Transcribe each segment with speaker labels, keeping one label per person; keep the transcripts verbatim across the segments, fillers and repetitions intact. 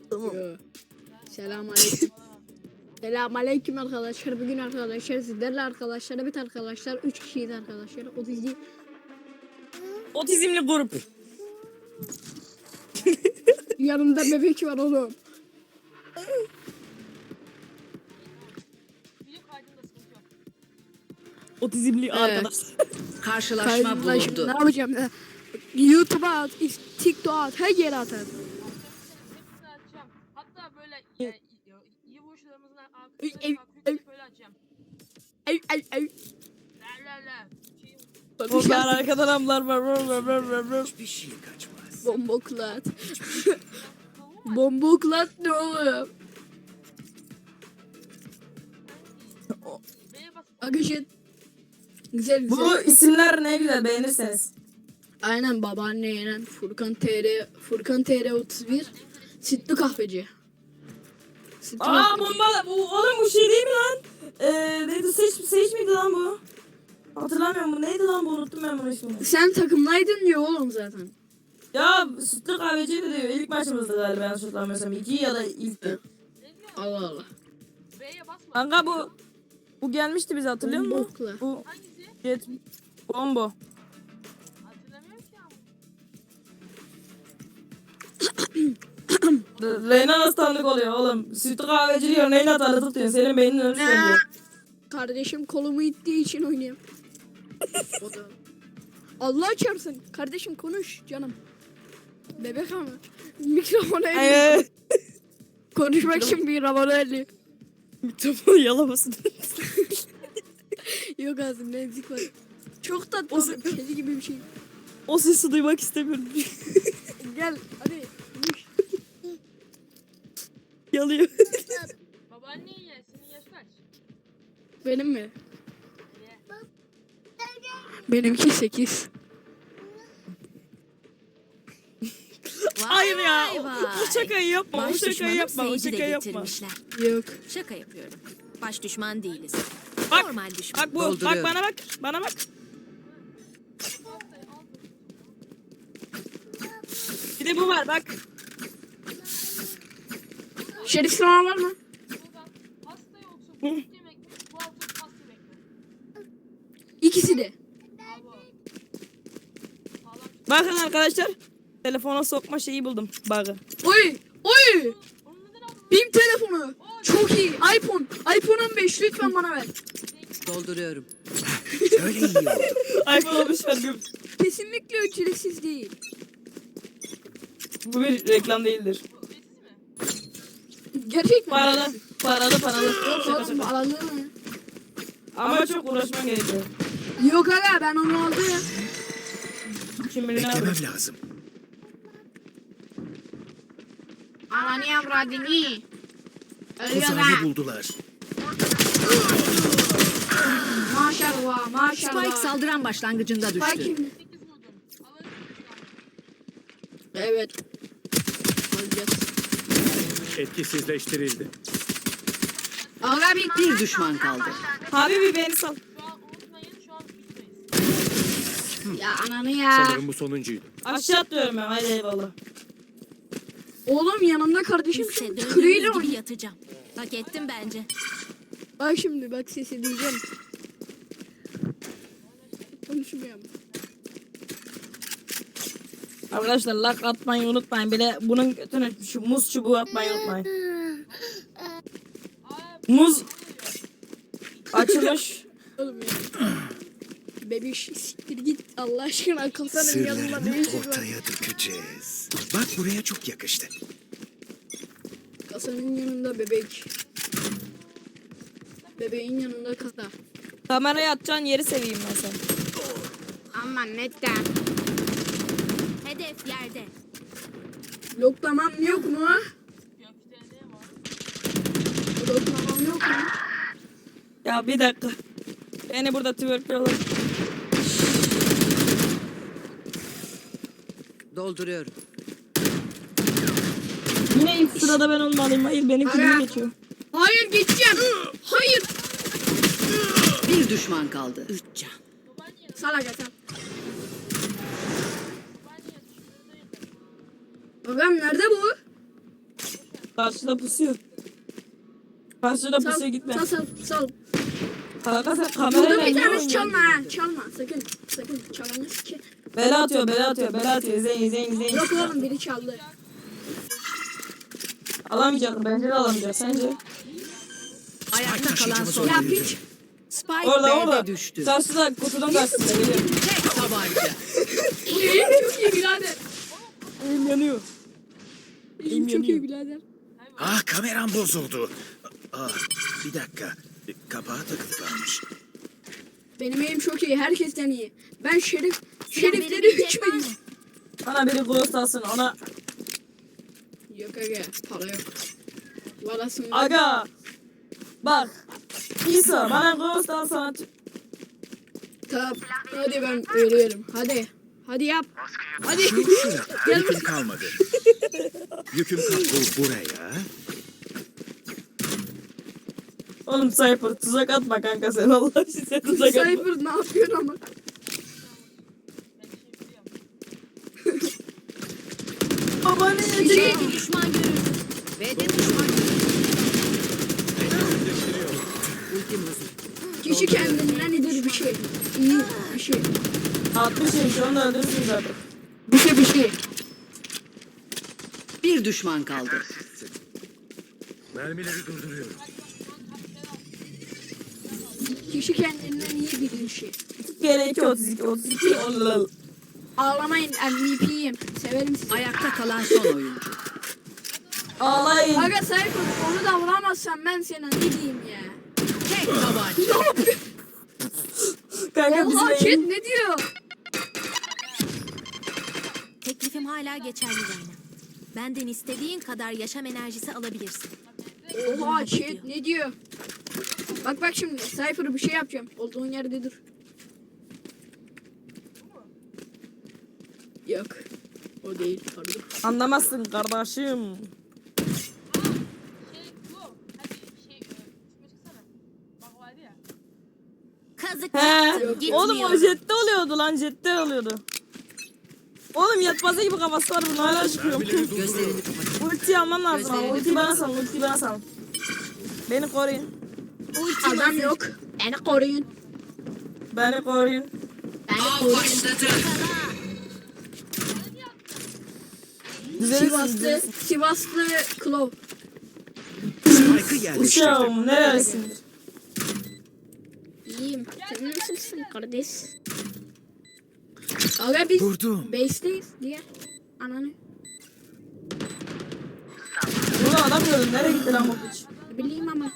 Speaker 1: Tamam.
Speaker 2: Selam aleyküm. Selam aleyküm arkadaşlar. Bugün arkadaşlar sizlerle arkadaşlar evet arkadaşlar üç kişiyiz arkadaşlar. Otizm
Speaker 1: Otizmli grup.
Speaker 2: yanımda bebek var oğlum.
Speaker 1: Otizmli arkadaş.
Speaker 3: Karşılaşma
Speaker 2: Kardeşim,
Speaker 3: bulundu.
Speaker 2: ne yapacağım ya? YouTube'a at, TikTok'a at, her yere at.
Speaker 4: Hepsini açacağım. Hatta böyle e, iyi vuruşlarımızın
Speaker 2: Ey,
Speaker 4: arkasına
Speaker 2: ey,
Speaker 4: kalkıp böyle açacağım.
Speaker 2: Ay ay ay.
Speaker 4: La la la. Şey,
Speaker 1: Onlar arkadan amlar var. var, var, var, var, var.
Speaker 3: Hiçbir şey kaçmaz.
Speaker 2: Bomboklat. Bomboklat ne oğlum?
Speaker 4: B'ye bas.
Speaker 2: Arkadaşlar. Güzel güzel.
Speaker 1: Bu isimler ne güzel beğenirseniz.
Speaker 2: Aynen babaanne yenen Furkan T R Furkan T R otuz bir Sütlü kahveci. Sütlü
Speaker 1: Aa
Speaker 2: kahveci.
Speaker 1: bomba bu oğlum bu şey değil mi lan? Eee neydi seç seç miydi lan bu? Hatırlamıyorum bu neydi lan bu unuttum ben bunu ismini.
Speaker 2: Sen takımlaydın diyor oğlum zaten.
Speaker 1: Ya sütlü kahveciydi diyor ilk maçımızdı galiba yanlış hatırlamıyorsam iki ya da ilkti.
Speaker 2: Allah Allah.
Speaker 4: B'ye basma.
Speaker 1: Kanka bu bu gelmişti bize hatırlıyor musun?
Speaker 2: Bombokla.
Speaker 1: Bu
Speaker 4: Hangisi?
Speaker 1: jet bombo.
Speaker 4: Hatırlamıyorum ki ama.
Speaker 1: Reyna nasıl tanıdık oluyor oğlum? Sütlü kahveci diyor Reyna tanıdık diyor. Senin beynin önüne söylüyor.
Speaker 2: Kardeşim kolumu ittiği için oynuyorum. O da. Allah çarpsın. Kardeşim konuş canım. Bebek ama. Mikrofonu elli.
Speaker 1: Eee.
Speaker 2: Konuşmak için mikrofonu elli.
Speaker 1: Mikrofonu yalamasın.
Speaker 2: Yok ağzımda emzik var. Çok tatlı
Speaker 1: O-
Speaker 2: oğlum. Kedi gibi bir şey.
Speaker 1: O sesi duymak istemiyorum.
Speaker 2: Gel hadi. Konuş.
Speaker 1: Yalıyor.
Speaker 4: Babaanne ye. Senin yaş kaç?
Speaker 2: Benim mi?
Speaker 4: Ye.
Speaker 2: Benimki sekiz.
Speaker 1: Hayır ya.
Speaker 3: Vay
Speaker 1: O,
Speaker 3: vay.
Speaker 1: o şakayı yapma. O
Speaker 3: Baş
Speaker 1: şakayı
Speaker 3: düşmanım
Speaker 1: yapma. O
Speaker 3: Seyit'i de
Speaker 1: şakayı yapma.
Speaker 3: getirmişler.
Speaker 2: Yok.
Speaker 3: Şaka yapıyorum. Baş düşman değiliz.
Speaker 1: Bak.
Speaker 3: Normal düşman.
Speaker 1: Bak bu. Bak
Speaker 3: Dolduruyorum.
Speaker 1: bana bak. Bana bak. Bir de bu var bak.
Speaker 2: Şerif sınav var mı?
Speaker 4: Buradan pasta yoksa bu yemek mi? Bu altın pasta yemek mi?
Speaker 2: İkisi de.
Speaker 4: Abo. Sağlam.
Speaker 1: Bakın arkadaşlar. Telefona sokma şeyi buldum. Bug'ı.
Speaker 2: Oy! Oy!
Speaker 4: Onu neden aldın?
Speaker 2: Bim telefonu. Çok iyi. iPhone. iPhone on beş lütfen bana ver.
Speaker 3: Dolduruyorum.
Speaker 5: Öyle iyi oldu.
Speaker 1: iPhone olmuş verdim.
Speaker 2: Kesinlikle ücretsiz değil.
Speaker 1: Bu bir reklam değildir.
Speaker 4: Ücretsiz mi?
Speaker 2: Gerçek mi?
Speaker 1: Paralı. Paralı paralı.
Speaker 2: Yok
Speaker 1: Şaka
Speaker 2: oğlum
Speaker 1: şaka.
Speaker 2: alalım mı?
Speaker 1: Ama çok uğraşman gerekiyor.
Speaker 2: Yok aga ben onu aldım.
Speaker 1: Kim bilir ne yapıyor.
Speaker 5: Beklemem lazım.
Speaker 2: Ananı avradını. Ölüyor
Speaker 5: Tuzağımı
Speaker 2: ha.
Speaker 5: buldular.
Speaker 2: Maşallah maşallah.
Speaker 3: Spike saldıran başlangıcında
Speaker 2: Spike
Speaker 3: düştü.
Speaker 2: kim?
Speaker 4: sekiz vurdum. Alırım.
Speaker 2: Evet. Alacağız.
Speaker 5: Etkisizleştirildi.
Speaker 2: Aga bir
Speaker 3: Bir düşman kaldı.
Speaker 1: Habibi beni sal.
Speaker 4: Şu an unutmayın. Şu an üstteyiz.
Speaker 2: ya ananı ya.
Speaker 5: Sanırım bu sonuncuydu.
Speaker 1: Aşağı atlıyorum ben. Hadi eyvallah.
Speaker 2: Oğlum yanımda kardeşim
Speaker 3: Kimse
Speaker 2: şu
Speaker 3: döndüğümüz
Speaker 2: kırıyla
Speaker 3: gibi
Speaker 2: oynuyor.
Speaker 3: yatacağım. Hak ettim bence.
Speaker 2: Bak şimdi bak sesi diyeceğim. Konuşmuyorum.
Speaker 1: Arkadaşlar like atmayı unutmayın. Bile bunun götüne şu muz çubuğu atmayı unutmayın. Muz açılmış.
Speaker 2: Oğlum ya. Bebiş siktir git Allah aşkına kasanın yanında ne
Speaker 5: Sırlarını
Speaker 2: işin var?
Speaker 5: ortaya dökeceğiz. Bak buraya çok yakıştı.
Speaker 2: Kasanın yanında bebek. Bebeğin yanında kasa.
Speaker 1: Kameraya atacağın yeri seveyim ben sen.
Speaker 2: Aman neden?
Speaker 3: Hedef yerde.
Speaker 2: Loklamam yok mu?
Speaker 4: Gökte ne var?
Speaker 2: Loklamam yok mu?
Speaker 1: Ya bir dakika. Beni burada twerkliyorlar.
Speaker 3: Dolduruyorum.
Speaker 1: Yine ilk sırada ben olmalıyım. Hayır benim
Speaker 2: Ara.
Speaker 1: kilimi geçiyor.
Speaker 2: Hayır geçeceğim. Hayır.
Speaker 3: Bir düşman kaldı. Üç can.
Speaker 2: Salak atan. Agam nerede bu?
Speaker 1: Karşıda pusuyor. Karşıda
Speaker 2: Sal,
Speaker 1: pusuya gitme.
Speaker 2: sal, sal, sal.
Speaker 1: Kanka sen
Speaker 2: Burada
Speaker 1: kamerayla
Speaker 2: bir
Speaker 1: niye
Speaker 2: tanesi
Speaker 1: oynuyorsun?
Speaker 2: çalma ha. Çalma sakın. Sakın çalanı sike.
Speaker 1: Bela atıyor, bela atıyor, bela atıyor. İzleyin, izleyin, izleyin.
Speaker 2: Yok oğlum biri çaldı.
Speaker 1: Alamayacak, bence de alamayacak. Sence?
Speaker 3: Ayakta kalan son
Speaker 2: Ya
Speaker 3: oyuncu.
Speaker 2: piç.
Speaker 3: Spike
Speaker 1: Orada,
Speaker 3: B'de
Speaker 1: orada.
Speaker 3: düştü.
Speaker 1: Karşıda, kutunun karşısında. Geliyor.
Speaker 3: Tek tabanca.
Speaker 2: Çok iyi birader.
Speaker 1: Elim yanıyor.
Speaker 2: Elim çok iyi birader.
Speaker 5: Ah kameram bozuldu. Ah bir dakika. Kapağı takılı kalmış.
Speaker 2: Benim elim çok iyi. Herkesten iyi. Ben şerif, şerifleri üç miyim?
Speaker 1: Bana biri ghost alsın, ona...
Speaker 2: Yok aga. Para yok. Valasın.
Speaker 1: Aga! Bak! İsa, bana ghost al sana...
Speaker 2: Tamam. Hadi ben ölüyorum. Hadi. Hadi yap. Hadi. Gel
Speaker 5: Yüküm kalmadı. Yüküm kalmadı. Bu buraya.
Speaker 1: Oğlum Cypher, tuzak atma kanka sen. Allah için sen tuzak atma.
Speaker 2: Cypher ne yapıyorsun ama?
Speaker 1: Baba ne
Speaker 2: Şey,
Speaker 1: yiyecek?
Speaker 3: B'de düşman görüldü. Ultim hazır.
Speaker 2: kişi kendinden iyidir bir şey. İyi bir şey.
Speaker 1: altmış şey, şu anda öldürürsün zaten.
Speaker 2: Bir şey bir şey.
Speaker 3: Bir düşman kaldı.
Speaker 5: Mermileri durduruyorum.
Speaker 2: Kişi kendinden iyi bir şey.
Speaker 1: iki kere iki, otuz iki, otuz iki. Allah.
Speaker 2: Ağlamayın M V P'yim. Severim sizi.
Speaker 3: Ayakta kalan son oyuncu.
Speaker 1: Ağlayın.
Speaker 2: Aga Cypher onu da vuramazsan ben sana ne diyeyim ya.
Speaker 3: Tek tabanca.
Speaker 1: Kanka
Speaker 2: Oha
Speaker 1: bizim
Speaker 2: chat
Speaker 1: elim...
Speaker 2: ne diyor?
Speaker 6: Teklifim hala geçerli Reyna. Benden istediğin kadar yaşam enerjisi alabilirsin.
Speaker 2: Oha chat ne diyor? Bak bak şimdi Cypher bir şey yapacağım. Olduğun yerde dur. Yok. O değil pardon.
Speaker 1: Anlamazsın kardeşim.
Speaker 4: Şey bu. Hadi şey. e, Üstüme çıksana. Bak vardı ya.
Speaker 6: Kazık
Speaker 1: He.
Speaker 6: yaptım,
Speaker 1: Oğlum o
Speaker 6: gitmiyorum.
Speaker 1: jette oluyordu lan, jette oluyordu. Oğlum yatmazı gibi kafası var bunun, hala çıkıyor.
Speaker 3: Gözlerini kapat.
Speaker 1: Ulti alman lazım ama
Speaker 3: Gözlerini
Speaker 1: ultiyi bana sal, ultiyi bana sal. Beni koruyun.
Speaker 2: Adam yok. Beni koruyun.
Speaker 1: Beni koruyun.
Speaker 2: Beni koruyun.
Speaker 1: Düzelirsin,
Speaker 2: Sivaslı,
Speaker 1: düzelirsin.
Speaker 2: Sivaslı Klov.
Speaker 5: Spike'ı yerleştirdim.
Speaker 1: Uşağım neresindir?
Speaker 2: İyiyim. Sen nasılsın kardeş? Aga biz
Speaker 5: Vurdum.
Speaker 2: base'deyiz diye. Ananı.
Speaker 1: Bunu adam gördüm, nereye gitti lan bu piç?
Speaker 2: Ne bileyim ama.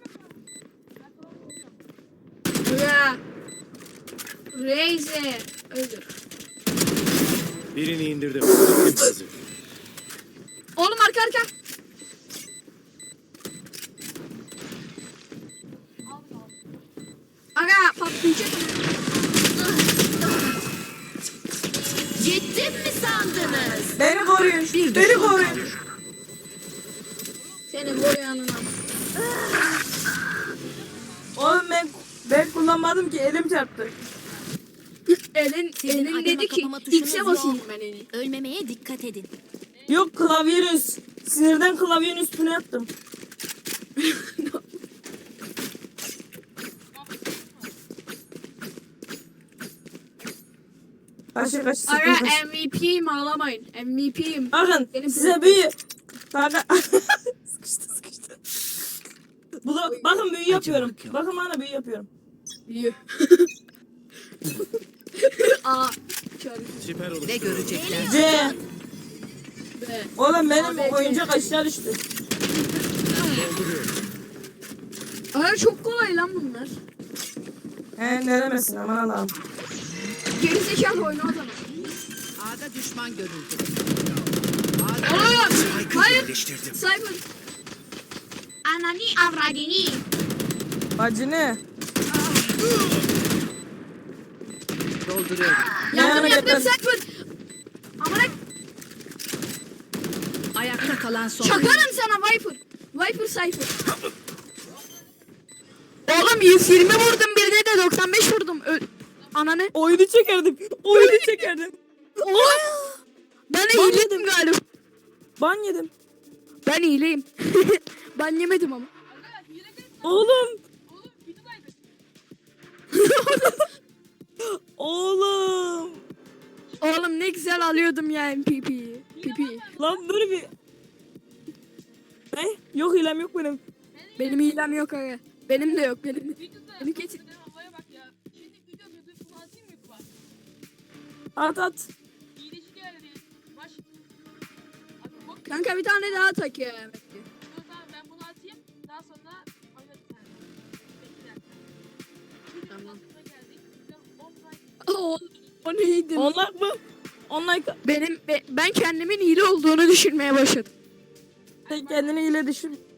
Speaker 2: Aga. Razer. Öldür.
Speaker 5: Birini indirdim. Ultim hazır.
Speaker 2: Oğlum arka arka. Aga patlayacak.
Speaker 6: Gittim mi sandınız?
Speaker 1: Beni koruyun,
Speaker 3: Bir
Speaker 1: beni
Speaker 3: düşman
Speaker 1: koruyun.
Speaker 3: kaldı.
Speaker 2: Seni koruyanına.
Speaker 1: Oğlum ben, ben kullanmadım ki, elim çarptı.
Speaker 2: Elin,
Speaker 6: Sizin
Speaker 2: elin
Speaker 6: arama
Speaker 2: dedi ki
Speaker 6: kapama tuşunuz
Speaker 2: X'e
Speaker 6: yok.
Speaker 2: basayım ben eli.
Speaker 6: Ölmemeye dikkat edin.
Speaker 1: Yok klavyenin üst. Sinirden klavyenin üstüne yattım. Kaçır kaçır sakın
Speaker 2: Aga
Speaker 1: kaçır.
Speaker 2: M V P'yim ağlamayın. M V P'yim.
Speaker 1: Bakın
Speaker 2: Benim
Speaker 1: size büyü. Kanka. sıkıştı sıkıştı. Bu da, bakın büyü yapıyorum. Bakın bana büyü yapıyorum.
Speaker 2: Büyü. A. Çarpı.
Speaker 5: Siper olur.
Speaker 3: Ne görecekler?
Speaker 1: C.
Speaker 2: B.
Speaker 1: Oğlum benim
Speaker 2: Abi,
Speaker 1: oyuncak aşağı düştü.
Speaker 2: Aga çok kolay lan bunlar.
Speaker 1: He ne demesin aman Allah'ım.
Speaker 2: Gerizekalı oyunu o zaman.
Speaker 3: A'da düşman görüldü.
Speaker 2: Oğlum.
Speaker 5: Spike'ı
Speaker 2: Hayır.
Speaker 5: yerleştirdim.
Speaker 2: Cyber. Anani avradini.
Speaker 1: Bacı ne?
Speaker 3: Dolduruyorum.
Speaker 2: Yardım
Speaker 1: Yani
Speaker 2: yardım
Speaker 1: ben-
Speaker 2: Cyber. Amına
Speaker 3: Ayakta kalan son oyuncu.
Speaker 2: çakarım sana Viper. Viper Cyber. Oğlum yüz yirmi vurdum birine de doksan beş vurdum. Ö Ananı.
Speaker 1: Oyunu çekerdim. Oyunu çekerdim.
Speaker 2: Ben de
Speaker 1: Ban
Speaker 2: hiledim galiba.
Speaker 1: Ban yedim.
Speaker 2: Ben iyileyim. Ben yemedim ama.
Speaker 4: Arkadaşlar hile değil.
Speaker 1: Oğlum.
Speaker 4: Oğlum videodaydı.
Speaker 1: Oğlum.
Speaker 2: Oğlum ne güzel alıyordum ya M P P'yi. P P.
Speaker 1: Lan dur bir. Ne? Yok hilem yok benim.
Speaker 2: Benim hilem yok aga. Benim de yok benim.
Speaker 4: Videoda
Speaker 2: Beni getir.
Speaker 4: havaya bak ya. Şimdi video atıyordu. Bunu atayım mı YouTube'a?
Speaker 1: At at.
Speaker 4: İyileci geldi. Baş. Abi bok.
Speaker 2: Kanka bir tane daha tak ya.
Speaker 4: Dur tamam ben bunu atayım. Daha sonra oynarız sen. Bekle. Videonun
Speaker 2: Tamam.
Speaker 4: sonuna geldik. Video on like.
Speaker 2: O, o neydi?
Speaker 1: Onlar mı? Onlar
Speaker 2: Benim be- ben kendimin hile olduğunu düşünmeye başladım.
Speaker 1: sen kendini hile düşün.